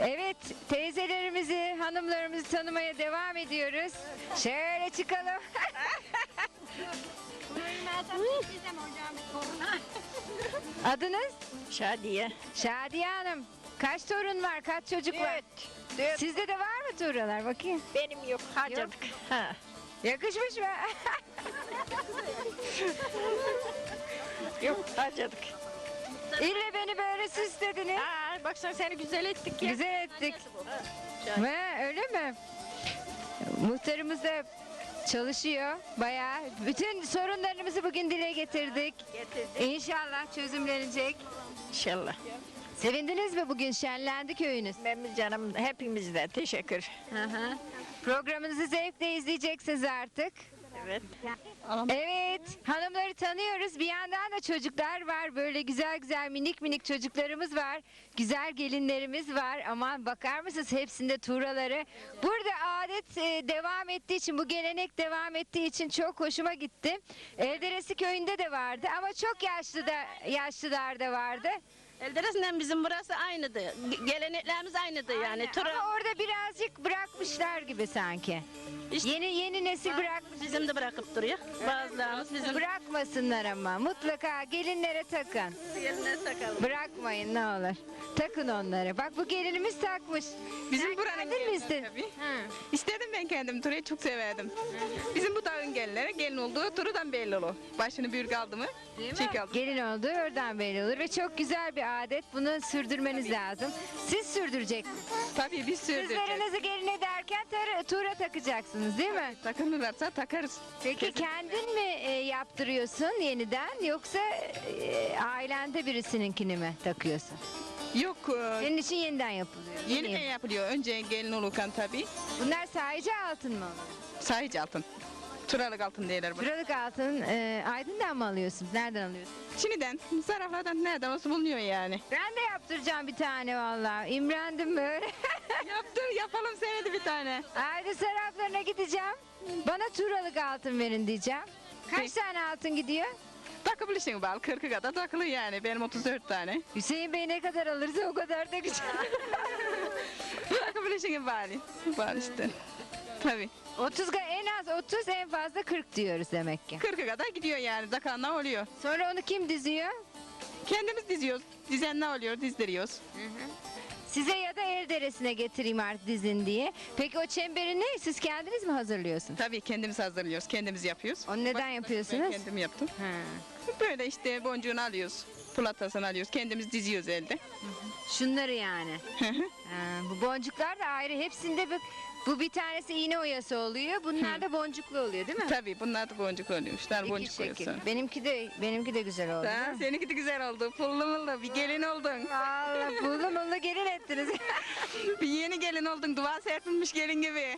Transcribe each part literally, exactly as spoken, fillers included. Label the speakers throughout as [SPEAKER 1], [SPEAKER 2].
[SPEAKER 1] Evet, teyzelerimizi, hanımlarımızı tanımaya devam ediyoruz. Şöyle çıkalım. Adınız?
[SPEAKER 2] Şadiye.
[SPEAKER 1] Şadiye Hanım. Kaç torun var, kaç çocuk var?
[SPEAKER 2] Dört.
[SPEAKER 1] Sizde de var mı tuğralar? Bakayım.
[SPEAKER 2] Benim yok, harcadık. Ha.
[SPEAKER 1] Yakışmış mı?
[SPEAKER 2] Yok, harcadık.
[SPEAKER 1] İlle beni böyle süslediniz.
[SPEAKER 2] Aa, baksana seni güzel ettik ya.
[SPEAKER 1] Güzel ettik. He, öyle mi? Muhtarımız da çalışıyor bayağı. Bütün sorunlarımızı bugün dile getirdik.
[SPEAKER 2] Getirdik.
[SPEAKER 1] İnşallah çözümlenecek.
[SPEAKER 2] İnşallah.
[SPEAKER 1] Sevindiniz mi bugün? Şenlendi köyünüz.
[SPEAKER 2] Benim canım hepimizden teşekkür.
[SPEAKER 1] Hı hı. Programınızı zevkle izleyeceksiniz artık.
[SPEAKER 2] Evet.
[SPEAKER 1] Evet, hanımları tanıyoruz. Bir yandan da çocuklar var. Böyle güzel güzel minik minik çocuklarımız var. Güzel gelinlerimiz var. Aman bakar mısınız hepsinde tuğraları. Burada adet e, devam ettiği için, bu gelenek devam ettiği için çok hoşuma gitti. Elderesi köyünde de vardı ama çok yaşlı da yaşlılar da vardı.
[SPEAKER 2] Elderesinden bizim burası aynıydı. Ge- Geleneklerimiz aynıydı yani. Tura,
[SPEAKER 1] Ama orada birazcık bırakmışlar gibi sanki.
[SPEAKER 2] İşte-
[SPEAKER 1] Yeni yeni nesil bırakmış.
[SPEAKER 2] bizim de bırakıp duruyor. Bazılarımız bizim
[SPEAKER 1] Bırakmasınlar ama mutlaka gelinlere takın.
[SPEAKER 2] yerine takalım.
[SPEAKER 1] Bırakmayın ne olur. Takın onları. Bak bu gelinimiz takmış.
[SPEAKER 3] Bizim
[SPEAKER 1] Sen
[SPEAKER 3] buranın
[SPEAKER 1] kendin mi
[SPEAKER 3] gelini
[SPEAKER 1] istedin?
[SPEAKER 3] tabii.
[SPEAKER 1] Hı.
[SPEAKER 3] İstedim ben kendim Tura'yı çok severdim. Bizim bu dağın gelinleri gelin olduğu Turu'dan belli olur. Başını büyük aldı mı? Çek aldı.
[SPEAKER 1] Gelin olduğu oradan belli olur ve çok güzel bir adet. Bunu sürdürmeniz lazım. Siz sürdüreceksiniz.
[SPEAKER 3] Tabii biz sürdüreceğiz.
[SPEAKER 1] Kızlarınızı gelin ederken tar- tuğra takacaksınız değil mi?
[SPEAKER 3] Takılırlarsa takarız.
[SPEAKER 1] Peki kendin mi e, yaptırıyorsun yeniden yoksa e, ailende birisininkini mi takıyorsun?
[SPEAKER 3] Yok e,
[SPEAKER 1] Senin için yeniden yapılıyor. Yeni
[SPEAKER 3] yeniden
[SPEAKER 1] yap-
[SPEAKER 3] yapılıyor. Önce gelin olurken tabii.
[SPEAKER 1] Bunlar sahici altın mı oluyor?
[SPEAKER 3] Sahici altın. Turalık altın derler buna.
[SPEAKER 1] Turalık altın e, Aydın'dan mı alıyorsunuz? Nereden alıyorsunuz?
[SPEAKER 3] Çin'den, zaraflardan nereden olsa bulunuyor yani.
[SPEAKER 1] Ben de yaptıracağım bir tane vallahi. İmrendim böyle.
[SPEAKER 3] Yaptır, yapalım senede bir tane.
[SPEAKER 1] Aydın sarraflarına gideceğim. Bana turalık altın verin diyeceğim. Kaç
[SPEAKER 3] Peki.
[SPEAKER 1] tane altın gidiyor?
[SPEAKER 3] Takabilirsin bal, kırkı kadar takılı yani. Benim otuz dört tane.
[SPEAKER 1] Hüseyin Bey ne kadar alırsa o kadar da güzel.
[SPEAKER 3] Takabilirsin bari. Bal işte. Tabii.
[SPEAKER 1] otuz ga- en az otuz en fazla kırk diyoruz demek ki.
[SPEAKER 3] kırkı kadar gidiyor yani. Takanla oluyor.
[SPEAKER 1] Sonra onu kim diziyor?
[SPEAKER 3] Kendimiz diziyoruz. Dizen ne oluyor? Dizdiriyoruz.
[SPEAKER 1] Size ya da el deresine getireyim artık dizin diye. Peki o çemberi ne? Siz kendiniz mi hazırlıyorsunuz?
[SPEAKER 3] Tabii kendimiz hazırlıyoruz. Kendimiz yapıyoruz.
[SPEAKER 1] Onu neden
[SPEAKER 3] Başta
[SPEAKER 1] yapıyorsunuz?
[SPEAKER 3] Ben kendim yaptım.
[SPEAKER 1] Ha.
[SPEAKER 3] Böyle işte boncuğunu alıyoruz. Pulatasını alıyoruz. Kendimiz diziyoruz elde.
[SPEAKER 1] Şunları yani. Ha, bu boncuklar da ayrı. Hepsinde bir, bu bir tanesi iğne oyası oluyor. Bunlar da boncuklu oluyor değil mi?
[SPEAKER 3] Tabii bunlar da boncuk oluyormuşlar.
[SPEAKER 1] İki
[SPEAKER 3] Boncuk
[SPEAKER 1] şekil.
[SPEAKER 3] koyuyorsun.
[SPEAKER 1] Benimki de benimki de güzel oldu.
[SPEAKER 3] Ha,
[SPEAKER 1] değil mi?
[SPEAKER 3] seninki de güzel oldu. Pullu mullu bir gelin oldun.
[SPEAKER 1] Allah pullu mullu gelin ettiniz.
[SPEAKER 3] Bir yeni gelin oldun. Dua serpilmiş gelin gibi.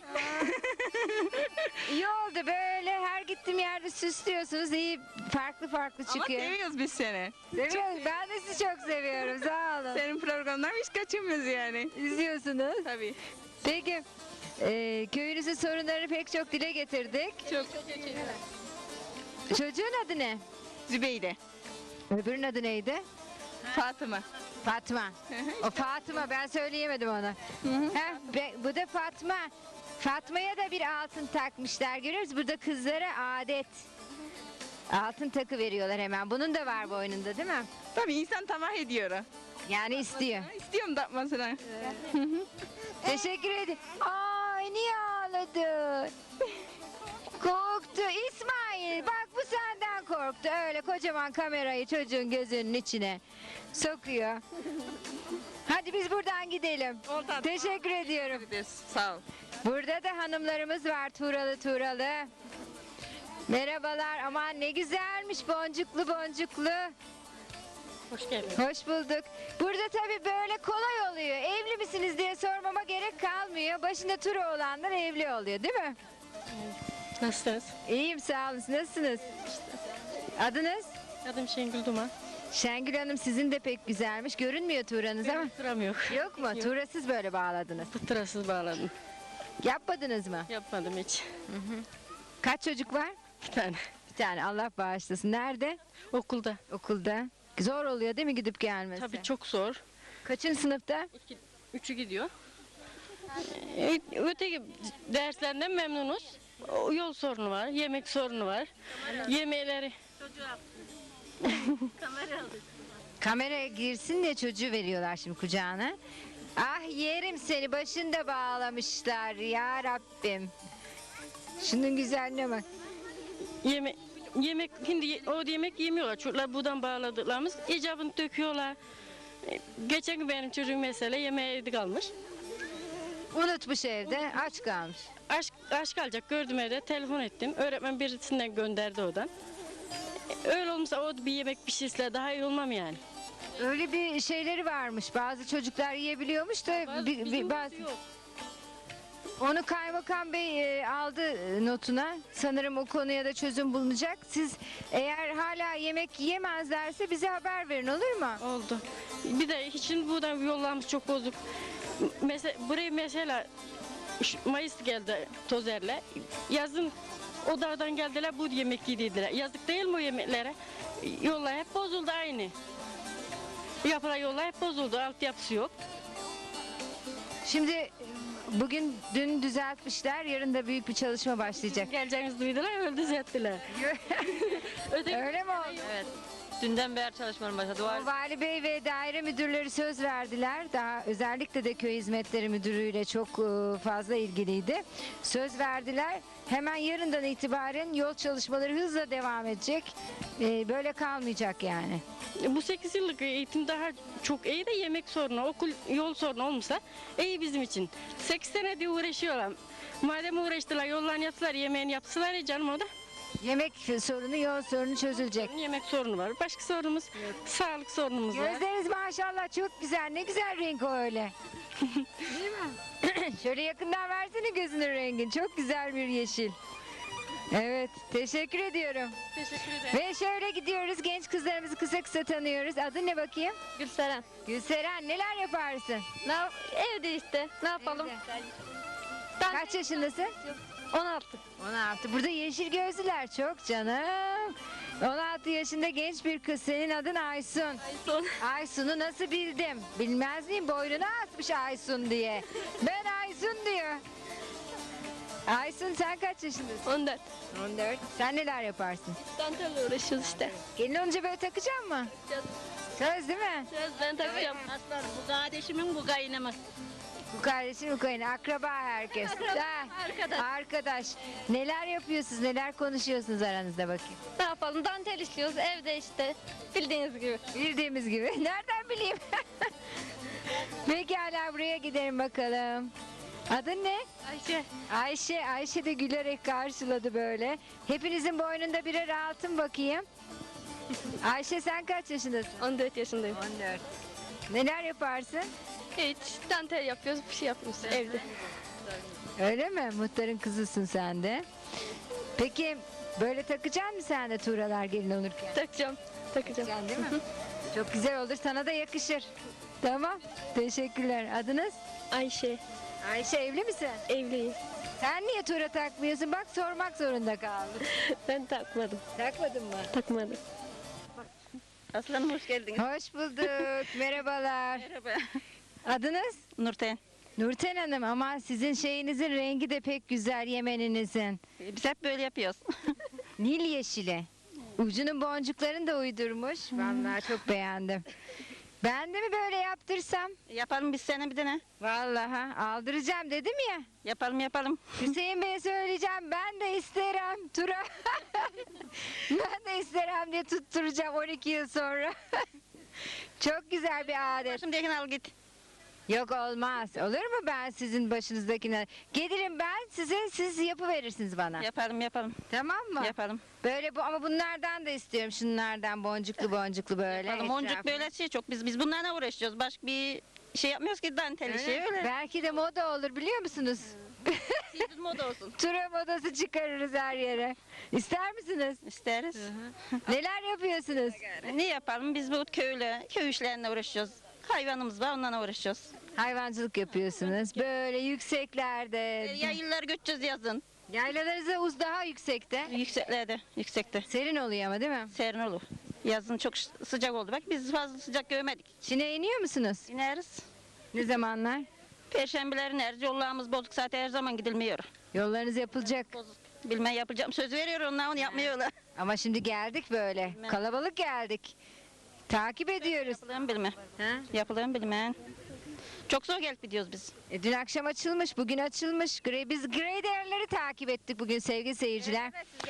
[SPEAKER 1] İyi oldu böyle her gittiğim yerde süslüyorsunuz. İyi farklı farklı
[SPEAKER 3] Ama
[SPEAKER 1] çıkıyor.
[SPEAKER 3] seviyoruz biz seni.
[SPEAKER 1] Seviyorum. Ben de sizi çok seviyorum. Sağ olun.
[SPEAKER 3] Senin programdan hiç kaçınmıyoruz yani.
[SPEAKER 1] İzliyorsunuz.
[SPEAKER 3] Tabii.
[SPEAKER 1] Peki e, köyünüzün sorunlarını pek çok dile getirdik.
[SPEAKER 3] Çok.
[SPEAKER 1] Çocuğun adı ne?
[SPEAKER 3] Zübeyde.
[SPEAKER 1] Öbürünün adı neydi?
[SPEAKER 3] Fatıma.
[SPEAKER 1] Fatma. O Fatıma ben söyleyemedim onu. Heh, be- bu da Fatma. Fatma'ya da bir altın takmışlar görüyoruz. Burada kızlara adet. Altın takı veriyorlar hemen. Bunun da var boynunda değil mi?
[SPEAKER 3] Tabii insan tamah ediyor.
[SPEAKER 1] Yani istiyor.
[SPEAKER 3] İstiyorum takmasını.
[SPEAKER 1] Teşekkür ederim. Ay niye ağladı? Korktu. İsmail bak bu senden korktu. Öyle kocaman kamerayı çocuğun gözünün içine sokuyor. Hadi biz buradan gidelim.
[SPEAKER 3] Oldu.
[SPEAKER 1] Teşekkür ediyorum.
[SPEAKER 3] Sağ ol.
[SPEAKER 1] Burada da hanımlarımız var Tuğralı Tuğralı. Merhabalar. Aman ne güzelmiş boncuklu boncuklu.
[SPEAKER 2] Hoş geldin.
[SPEAKER 1] Hoş bulduk. Burada tabii böyle kolay oluyor. Evli misiniz diye sormama gerek kalmıyor. Başında turu olanlar evli oluyor değil mi?
[SPEAKER 2] Nasılsınız?
[SPEAKER 1] İyiyim sağ olun. Siz nasılsınız? Adınız?
[SPEAKER 2] Adım Şengül Duman.
[SPEAKER 1] Şengül Hanım sizin de pek güzelmiş. Görünmüyor tuğranız ama.
[SPEAKER 2] Turam yok.
[SPEAKER 1] Yok mu? Tuğrasız böyle bağladınız.
[SPEAKER 2] Pıtırasız bağladım.
[SPEAKER 1] Yapmadınız mı?
[SPEAKER 2] Yapmadım hiç.
[SPEAKER 1] Kaç çocuk var?
[SPEAKER 2] Bir tane.
[SPEAKER 1] Bir tane Allah bağışlasın. Nerede?
[SPEAKER 2] Okulda.
[SPEAKER 1] Okulda. Zor oluyor değil mi gidip gelmesi?
[SPEAKER 2] Tabii çok zor.
[SPEAKER 1] Kaçıncı sınıfta?
[SPEAKER 2] İki, Üçü gidiyor. Ee, Öteki derslerinden memnunuz. O yol sorunu var, yemek sorunu var. Yemeğleri.
[SPEAKER 1] Kamera girsin diye çocuğu veriyorlar şimdi kucağına. Ah yerim seni, başında bağlamışlar ya Rabbim. Şunun güzelliğine bak.
[SPEAKER 2] Yeme yemek şimdi ye- o yemek yemiyorlar. Çocuklar buradan bağladıklarımız icabını döküyorlar. Ee, Geçen gün benim çocuğum mesela yemeğe evde kalmış.
[SPEAKER 1] Unutmuş evde, aç kalmış.
[SPEAKER 2] Aşk, aşk alacak gördüm evde, telefon ettim. Öğretmen birisinden gönderdi odan. Ee, Öyle olmasa o bir yemek pişirse daha iyi olmam yani.
[SPEAKER 1] Öyle bir şeyleri varmış. Bazı çocuklar yiyebiliyormuş da
[SPEAKER 2] Bazı-
[SPEAKER 1] bi- bi-
[SPEAKER 2] bizim
[SPEAKER 1] bazı.
[SPEAKER 2] yok.
[SPEAKER 1] Onu Kaymakam Bey e, aldı e, notuna. Sanırım o konuya da çözüm bulunacak. Siz eğer hala yemek yiyemezlerse bize haber verin, olur mu?
[SPEAKER 2] Oldu. Bir de şimdi buradan yollarımız çok bozuk. Mesela buraya mesela şu Mayıs geldi Tozer'le. Yazın o dağdan geldiler bu yemek yediler. Yazık değil mi o yemeklere? Yollar hep bozuldu aynı. Yapılan yollar hep bozuldu. Altyapısı yok.
[SPEAKER 1] Şimdi e, bugün dün düzeltmişler. Yarın da büyük bir çalışma başlayacak.
[SPEAKER 2] Geleceğinizi duydular, öyle düzelttiler. Öteki
[SPEAKER 1] Öyle mi oldu?
[SPEAKER 4] Evet. Dünden beri çalışmalarım başladı. Var.
[SPEAKER 1] O Vali Bey ve daire müdürleri söz verdiler. Daha özellikle de köy hizmetleri müdürüyle çok e, fazla ilgiliydi. Söz verdiler. Hemen yarından itibaren yol çalışmaları hızla devam edecek. E, Böyle kalmayacak yani.
[SPEAKER 2] Bu sekiz yıllık eğitim daha çok iyi de yemek sorunu, okul yol sorunu olmasa iyi bizim için. sekiz senedir uğraşıyorlar. Madem uğraştılar, yollarını yaptılar, yemeğini yaptılar ya canım o da.
[SPEAKER 1] Yemek sorunu, yol sorunu çözülecek.
[SPEAKER 2] Yemek sorunu var. Başka sorunumuz sağlık sorunumuz var.
[SPEAKER 1] Gözleriniz maşallah çok güzel. Ne güzel renk o öyle. Değil mi? Şöyle yakından versene gözünün rengin. Çok güzel bir yeşil. Evet, teşekkür ediyorum.
[SPEAKER 2] Teşekkür ederim.
[SPEAKER 1] Ve şöyle gidiyoruz. Genç kızlarımızı kısa kısa tanıyoruz. Adın ne bakayım?
[SPEAKER 4] Gülseren.
[SPEAKER 1] Gülseren, neler yaparsın?
[SPEAKER 4] Ne yap- evde işte. Ne yapalım? Ben
[SPEAKER 1] Kaç yaşındasın?
[SPEAKER 4] on altı.
[SPEAKER 1] on altı. Burada yeşil gözlüler çok canım. on altı yaşında genç bir kız. Senin adın Aysun.
[SPEAKER 4] Son.
[SPEAKER 1] Aysun'u nasıl bildim? Bilmez miyim? Boynuna asmış Aysun diye. Ben Aysun diyor. Aysun sen kaç yaşındasın?
[SPEAKER 4] on dört.
[SPEAKER 1] on dört. Sen neler yaparsın?
[SPEAKER 4] Dantelle uğraşıyoruz işte.
[SPEAKER 1] Gelin olunca böyle takacak mı? Söz değil mi?
[SPEAKER 4] Söz ben takacağım.
[SPEAKER 2] Aslan bu kardeşimin bu kaynamaz.
[SPEAKER 1] Bu kardeşin bu kayın. Akraba herkes. Ha,
[SPEAKER 4] arkadaş.
[SPEAKER 1] Arkadaş. Neler yapıyorsunuz? Neler konuşuyorsunuz aranızda bakayım?
[SPEAKER 4] Ne yapalım? Dantel işliyoruz evde işte. Bildiğiniz gibi.
[SPEAKER 1] Bildiğimiz gibi. Nereden bileyim? Pekala buraya gidelim bakalım. Adın ne?
[SPEAKER 4] Ayşe.
[SPEAKER 1] Ayşe. Ayşe de gülerek karşıladı böyle. Hepinizin boynunda birer altın bakayım. Ayşe sen kaç yaşındasın?
[SPEAKER 4] on dört yaşındayım.
[SPEAKER 1] on dört. Neler yaparsın?
[SPEAKER 4] Hiç dantel yapıyoruz, bir şey yapmıyoruz evde.
[SPEAKER 1] Öyle mi? Muhtarın kızısın sen de. Peki böyle takacak mısın sen de tuğralar gelin olurken?
[SPEAKER 4] Takacağım. Takacağım.
[SPEAKER 1] Takacaksın değil mi? Çok güzel olur. Sana da yakışır. Tamam. Teşekkürler. Adınız?
[SPEAKER 4] Ayşe.
[SPEAKER 1] Ayşe, evli misin?
[SPEAKER 4] Evliyim.
[SPEAKER 1] Sen niye tuğra takmıyorsun? Bak sormak zorunda kaldım.
[SPEAKER 4] Ben takmadım.
[SPEAKER 1] Takmadın mı?
[SPEAKER 4] Takmadım.
[SPEAKER 2] Aslanım hoş geldin.
[SPEAKER 1] Hoş bulduk. Merhabalar.
[SPEAKER 2] Merhaba.
[SPEAKER 1] Adınız?
[SPEAKER 2] Nurten.
[SPEAKER 1] Nurten Hanım, ama sizin şeyinizin rengi de pek güzel, yemeninizin.
[SPEAKER 2] Biz hep böyle yapıyoruz.
[SPEAKER 1] Nil yeşili. Ucunun boncuklarını da uydurmuş. Vallahi çok beğendim. Ben de mi böyle yaptırsam?
[SPEAKER 2] Yapalım biz sene bir tane.
[SPEAKER 1] Vallahi aldıracağım dedim ya.
[SPEAKER 2] Yapalım yapalım.
[SPEAKER 1] Hüseyin Bey'e söyleyeceğim, ben de isterim Tura. Ben de isterim diye tutturacağım on iki yıl sonra. Çok güzel bir adet.
[SPEAKER 2] Şimdiyekini al git.
[SPEAKER 1] Yok olmaz. Olur mu ben sizin başınızdakine? Gelirim ben size, siz yapıverirsiniz bana.
[SPEAKER 2] Yapalım yapalım.
[SPEAKER 1] Tamam mı?
[SPEAKER 2] Yapalım.
[SPEAKER 1] Böyle bu, ama bunlardan da istiyorum. Şunlardan boncuklu boncuklu böyle.
[SPEAKER 2] Yapalım. Boncuk
[SPEAKER 1] etrafına.
[SPEAKER 2] böyle şey çok. Biz biz bunlarla uğraşıyoruz. Başka bir şey yapmıyoruz ki dantel
[SPEAKER 1] Öyle
[SPEAKER 2] işi
[SPEAKER 1] mi?
[SPEAKER 2] öyle.
[SPEAKER 1] Belki de moda olur biliyor musunuz?
[SPEAKER 2] Sizin moda olsun.
[SPEAKER 1] Tura modası çıkarırız her yere. İster misiniz?
[SPEAKER 2] İsteriz.
[SPEAKER 1] Neler yapıyorsunuz?
[SPEAKER 2] Ne yapalım? Biz bu köyle, köy işlerine uğraşıyoruz. Hayvanımız var onlarla uğraşıyoruz.
[SPEAKER 1] Hayvancılık yapıyorsunuz. Böyle yükseklerde.
[SPEAKER 2] Yayıllar göçeceğiz yazın.
[SPEAKER 1] Yaylalarınızda uz daha yüksekte.
[SPEAKER 2] Yükseklerde, yüksekte.
[SPEAKER 1] Serin oluyor ama değil mi?
[SPEAKER 2] Serin olur. Yazın çok sıcak oldu. Bak biz fazla sıcak görmedik.
[SPEAKER 1] Çin'e iniyor musunuz?
[SPEAKER 2] İneriz.
[SPEAKER 1] Ne zamanlar?
[SPEAKER 5] Perşembelerin her yollarımız bozuk zaten her zaman gidilmiyor.
[SPEAKER 1] Yollarınız yapılacak.
[SPEAKER 5] Bozuk. Bilmem yapacağım söz veriyor onlar onu yapmıyorlar.
[SPEAKER 1] Ama şimdi geldik böyle. Kalabalık geldik. Takip ediyoruz.
[SPEAKER 5] Yapılır mı bilmem.
[SPEAKER 1] Ha?
[SPEAKER 5] Yapılır mı bilmem. Çok zor gelip gidiyoruz biz.
[SPEAKER 1] E, dün akşam açılmış, bugün açılmış. Grey, biz grey değerleri takip ettik bugün sevgili seyirciler.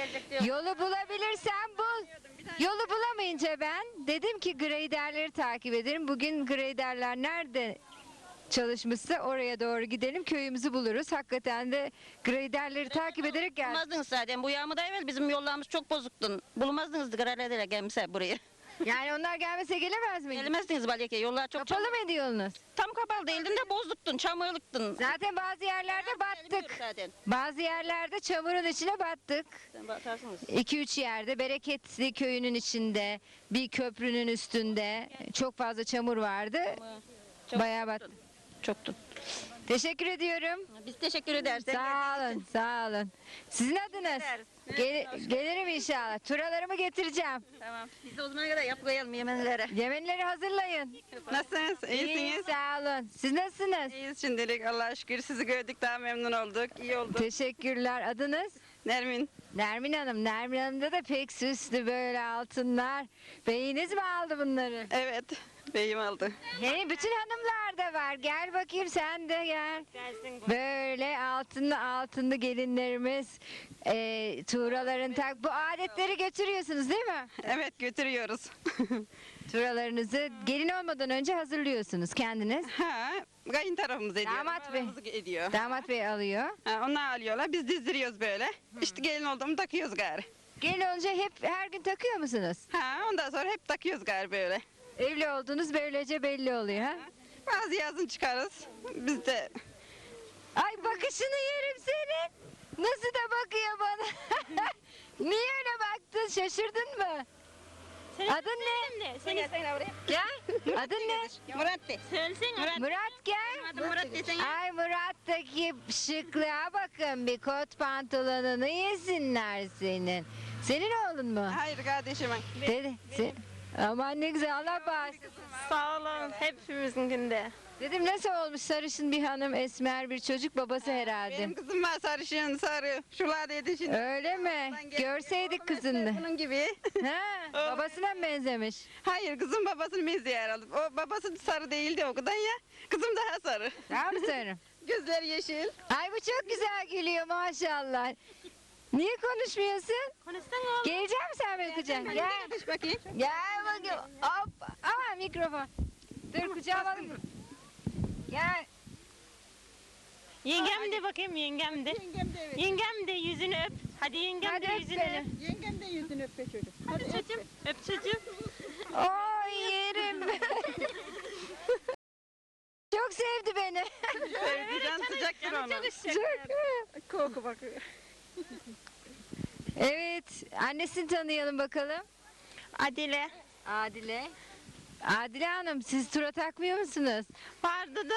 [SPEAKER 1] Yolu bulabilirsen bul. Yolu bulamayınca ben dedim ki grey değerleri takip ederim. Bugün grey değerler nerede çalışmışsa oraya doğru gidelim, köyümüzü buluruz. Hakikaten de grey değerleri takip ederek geldik.
[SPEAKER 5] Bulmazdınız zaten bu yağmurda evvel bizim yollarımız çok bozuktun. Bulmazdınız gralelerle gelmişse buraya.
[SPEAKER 1] Yani onlar gelmese gelemez mi?
[SPEAKER 5] Gelmezdiniz Balyaka'ya yollar çok
[SPEAKER 1] Kapalı mıydı yolunuz?
[SPEAKER 5] Tam kapalı değildin de bozuktun, çamurluktun.
[SPEAKER 1] Zaten bazı yerlerde battık.
[SPEAKER 5] Zaten.
[SPEAKER 1] Bazı yerlerde çamurun içine battık.
[SPEAKER 5] Sen bakarsınız.
[SPEAKER 1] iki üç yerde Bereketli köyünün içinde bir köprünün üstünde çok fazla çamur vardı.
[SPEAKER 5] Çok
[SPEAKER 1] Bayağı battık.
[SPEAKER 5] Çoktu.
[SPEAKER 1] Teşekkür ediyorum.
[SPEAKER 5] Biz teşekkür ederiz.
[SPEAKER 1] Sağ olun, sağ olun. Sizin adınız? Gel- gelirim inşallah. Turalarımı getireceğim.
[SPEAKER 5] Tamam. Biz de o zamana kadar yapmayalım yemenlere.
[SPEAKER 1] Yemenleri hazırlayın.
[SPEAKER 6] Nasılsınız?
[SPEAKER 1] İyi,
[SPEAKER 6] İyisiniz?
[SPEAKER 1] sağ olun. Siz nasılsınız?
[SPEAKER 6] İyiyiz şimdilik Allah'a şükür. Sizi gördük daha memnun olduk. İyi oldu.
[SPEAKER 1] Teşekkürler. Adınız?
[SPEAKER 6] Nermin.
[SPEAKER 1] Nermin Hanım. Nermin Hanım'da da pek süslü böyle altınlar. Beyiniz mi aldı bunları?
[SPEAKER 6] Evet. Beyim aldı.
[SPEAKER 1] Hey, bütün hanımlar da var. Gel bakayım sen de gel. Böyle altınlı altınlı gelinlerimiz. E, tuğraların tak. Bu adetleri götürüyorsunuz değil mi?
[SPEAKER 6] Evet götürüyoruz.
[SPEAKER 1] Tuğralarınızı gelin olmadan önce hazırlıyorsunuz kendiniz.
[SPEAKER 6] ha, kayın tarafımız ediyor.
[SPEAKER 1] Damat bey.
[SPEAKER 6] Babamız ediyor.
[SPEAKER 1] Damat bey alıyor.
[SPEAKER 6] Ha, onlar alıyorlar. Biz dizdiriyoruz böyle. İşte gelin olduğumu takıyoruz gari.
[SPEAKER 1] Gelin olunca hep her gün takıyor musunuz?
[SPEAKER 6] Ha, ondan sonra hep takıyoruz gari böyle.
[SPEAKER 1] Evli olduğunuz böylece belli oluyor ha?
[SPEAKER 6] Bazı yazın çıkarız. Biz de
[SPEAKER 1] Ay bakışını yerim senin. Nasıl da bakıyor bana. Niye öyle baktın? Şaşırdın mı? Adın ne?
[SPEAKER 5] Sen gel buraya.
[SPEAKER 1] Gel. Adın ne?
[SPEAKER 6] Murat Bey.
[SPEAKER 5] Söylesene.
[SPEAKER 1] Murat gel.
[SPEAKER 5] Adım Murat desene.
[SPEAKER 1] Ay Murat'taki şıklığa bakın. Bir kot pantolonunu yesinler senin. Senin oğlun mu?
[SPEAKER 6] Hayır kardeşim.
[SPEAKER 1] Dedi. Se- Aman ne güzel Allah bağışlasın.
[SPEAKER 4] Sağ olun. Hepimizinkinde.
[SPEAKER 1] Dedim nasıl olmuş sarışın bir hanım, esmer bir çocuk, babası herhalde.
[SPEAKER 6] Benim kızım var sarışın sarı. Şular dedi şimdi.
[SPEAKER 1] Öyle mi? Görseydik kızını.
[SPEAKER 6] Bunun gibi.
[SPEAKER 1] Ha, babasına mı benzemiş?
[SPEAKER 6] Hayır kızım babasını benziyor herhalde. O babası sarı değildi o kadar ya. Kızım daha sarı.
[SPEAKER 1] Daha mı sarı?
[SPEAKER 6] Gözleri yeşil.
[SPEAKER 1] Ay bu çok güzel gülüyor maşallah. Niye konuşmuyorsun?
[SPEAKER 4] Konuşsana.
[SPEAKER 1] Gelecek misin sen benim kucağıma? Gel.
[SPEAKER 6] Düş bakayım.
[SPEAKER 1] Gel bakayım. Hop. Aa mikrofon. Dur kucağıma alayım. Gel.
[SPEAKER 4] Yengem de bakayım yengem de.
[SPEAKER 6] Yengem de evet.
[SPEAKER 4] Yengem de yüzünü öp. Hadi yengem
[SPEAKER 1] Hadi
[SPEAKER 4] de
[SPEAKER 1] öp
[SPEAKER 4] yüzünü
[SPEAKER 1] beni.
[SPEAKER 4] öp.
[SPEAKER 6] Yengem de yüzünü öp be çocuk.
[SPEAKER 4] Hadi çocuğum. Öp çocuğum.
[SPEAKER 1] Oy yerim. Çok sevdi beni.
[SPEAKER 6] Sevdi can sıcaktır onu.
[SPEAKER 1] Çok.
[SPEAKER 6] Koku bak.
[SPEAKER 1] Evet. Annesini tanıyalım bakalım.
[SPEAKER 4] Adile.
[SPEAKER 1] Adile. Adile Hanım siz tura takmıyor musunuz?
[SPEAKER 4] Vardı da.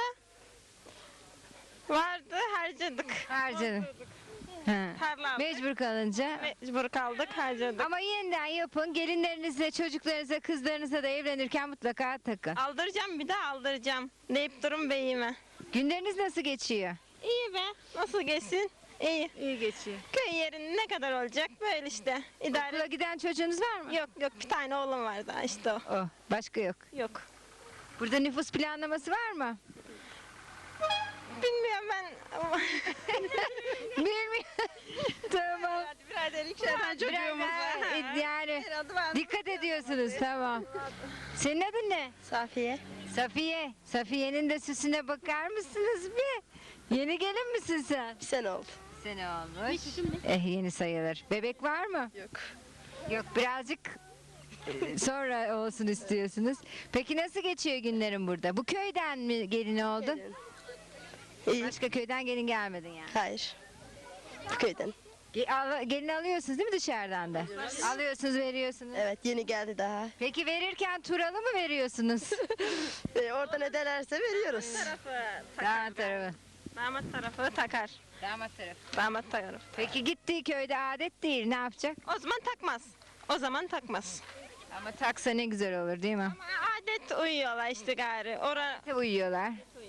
[SPEAKER 4] Vardı harcadık.
[SPEAKER 1] Harcanın. Ha.
[SPEAKER 4] Tarla aldık.
[SPEAKER 1] Mecbur kalınca.
[SPEAKER 4] Mecbur kaldık harcadık.
[SPEAKER 1] Ama yeniden yapın. Gelinlerinizle, çocuklarınıza, kızlarınıza da evlenirken mutlaka takın.
[SPEAKER 4] Aldıracağım bir de aldıracağım. Deyip durun beyime.
[SPEAKER 1] Günleriniz nasıl geçiyor?
[SPEAKER 4] İyi be. Nasıl geçsin? İyi.
[SPEAKER 1] İyi geçiyor.
[SPEAKER 4] Köy yerinin ne kadar olacak? Böyle işte. İdare.
[SPEAKER 1] Okula giden çocuğunuz var mı?
[SPEAKER 4] Yok yok bir tane oğlum var daha işte o.
[SPEAKER 1] Oh, başka yok.
[SPEAKER 4] Yok.
[SPEAKER 1] Burada nüfus planlaması var mı?
[SPEAKER 4] Bilmiyorum ben.
[SPEAKER 1] Bilmiyorum. Tamam.
[SPEAKER 6] Birader iki tane çocuğumuz
[SPEAKER 1] Biraz
[SPEAKER 6] var.
[SPEAKER 1] daha, yani
[SPEAKER 6] Herhalde var.
[SPEAKER 1] dikkat ediyorsunuz tamam. Senin adın ne?
[SPEAKER 4] Safiye.
[SPEAKER 1] Safiye. Safiye'nin de süsüne bakar mısınız bir? Yeni gelin misin sen?
[SPEAKER 4] Bir sene oldu.
[SPEAKER 1] Sene olmuş. Eh yeni sayılır. Bebek var mı?
[SPEAKER 4] Yok.
[SPEAKER 1] Yok birazcık e, sonra olsun istiyorsunuz. Peki nasıl geçiyor günlerin burada? Bu köyden mi gelin oldun?
[SPEAKER 4] İyi.
[SPEAKER 1] Başka köyden gelin gelmedin yani.
[SPEAKER 4] Hayır. Bu köyden.
[SPEAKER 1] Ge- al- gelin alıyorsunuz değil mi dışarıdan da? Alıyorsunuz veriyorsunuz.
[SPEAKER 4] Evet yeni geldi daha.
[SPEAKER 1] Peki verirken turalı mı veriyorsunuz?
[SPEAKER 4] E, orada ne derlerse veriyoruz.
[SPEAKER 1] Damat tarafı.
[SPEAKER 4] Damat tarafı takar.
[SPEAKER 1] Damat tarafı.
[SPEAKER 4] Damat tarafı.
[SPEAKER 1] Peki gittiği köyde adet değil ne yapacak?
[SPEAKER 4] O zaman takmaz. O zaman takmaz.
[SPEAKER 1] Ama taksa ne güzel olur değil mi?
[SPEAKER 4] Ama adet uyuyorlar işte gari. Ora
[SPEAKER 1] Uyuyorlar.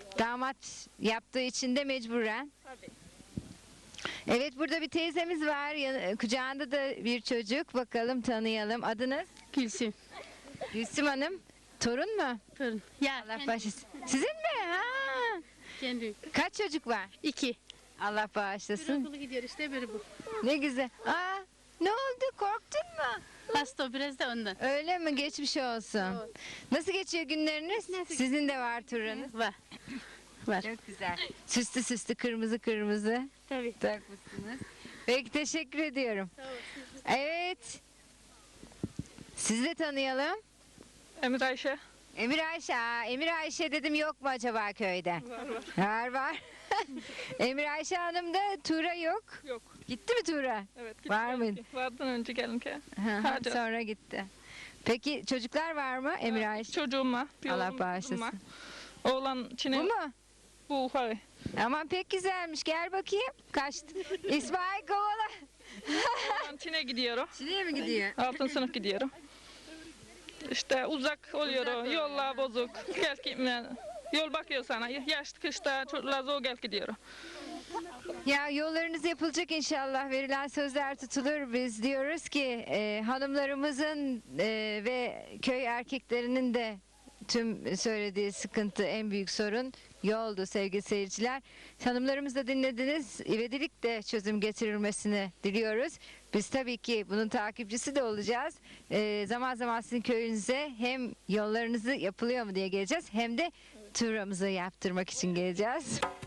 [SPEAKER 1] Damat yaptığı için de mecburen. Evet, burada bir teyzemiz var. Yan- Kucağında da bir çocuk. Bakalım tanıyalım. Adınız?
[SPEAKER 7] Gülsüm.
[SPEAKER 1] Gülsüm Hanım. Torun mu?
[SPEAKER 7] Torun. Ya
[SPEAKER 1] Allah bağışlasın. Sizin mi? Ha.
[SPEAKER 7] kendi.
[SPEAKER 1] Kaç çocuk var?
[SPEAKER 7] İki.
[SPEAKER 1] Allah
[SPEAKER 7] Bir
[SPEAKER 1] bağışlasın.
[SPEAKER 7] okulu gidiyor işte biri bu.
[SPEAKER 1] Ne güzel. Aa, ne oldu? Korktun mu?
[SPEAKER 7] Hasta o biraz da ondan.
[SPEAKER 1] Öyle mi? Geçmiş olsun. Nasıl geçiyor günleriniz? Sizin de var turunuz.
[SPEAKER 7] Var. Var.
[SPEAKER 1] Çok güzel. Süslü süslü kırmızı kırmızı
[SPEAKER 7] Tabii.
[SPEAKER 1] takmışsınız. Peki, teşekkür ediyorum. Evet. Sizi de tanıyalım.
[SPEAKER 8] Emir Ayşe.
[SPEAKER 1] Emir Ayşe. Aa, Emir Ayşe dedim, yok mu acaba köyde?
[SPEAKER 8] Var var.
[SPEAKER 1] Var var. Emir Ayşe Hanım da Tuğra yok.
[SPEAKER 8] Yok.
[SPEAKER 1] Gitti mi Tuğra?
[SPEAKER 8] Evet. git
[SPEAKER 1] Var
[SPEAKER 8] gel
[SPEAKER 1] mıydı?
[SPEAKER 8] ki. Vardan önce gelin ki.
[SPEAKER 1] Hı hı,
[SPEAKER 8] Hadi.
[SPEAKER 1] Sonra gitti. Peki çocuklar var mı Emir Ayşe?
[SPEAKER 8] Çocuğum var. Bir
[SPEAKER 1] Allah
[SPEAKER 8] oğlum,
[SPEAKER 1] bağışlasın.
[SPEAKER 8] kızım var. Oğlan Çin'e.
[SPEAKER 1] Bu mu?
[SPEAKER 8] Bu ufak.
[SPEAKER 1] Aman pek güzelmiş. Gel bakayım. Kaçtı. İsmail kovala.
[SPEAKER 8] Oğlan Çin'e gidiyorum.
[SPEAKER 1] Çin'e mi gidiyor?
[SPEAKER 8] Altın sınıf gidiyorum. İşte uzak oluyor.
[SPEAKER 1] Uzak oluyor.
[SPEAKER 8] Yollar bozuk. Gel ki yol bakıyor sana. Yaş kışta çocuklar zor gel gidiyorum.
[SPEAKER 1] Ya yollarınız yapılacak inşallah. Verilen sözler tutulur. Biz diyoruz ki e, hanımlarımızın e, ve köy erkeklerinin de tüm söylediği sıkıntı, en büyük sorun yoldu sevgili seyirciler. Hanımlarımız da dinlediniz. İvedilik de çözüm getirilmesini diliyoruz. Biz tabii ki bunun takipçisi de olacağız. E, zaman zaman sizin köyünüze hem yollarınızı yapılıyor mu diye geleceğiz, hem de turamızı yaptırmak için geleceğiz.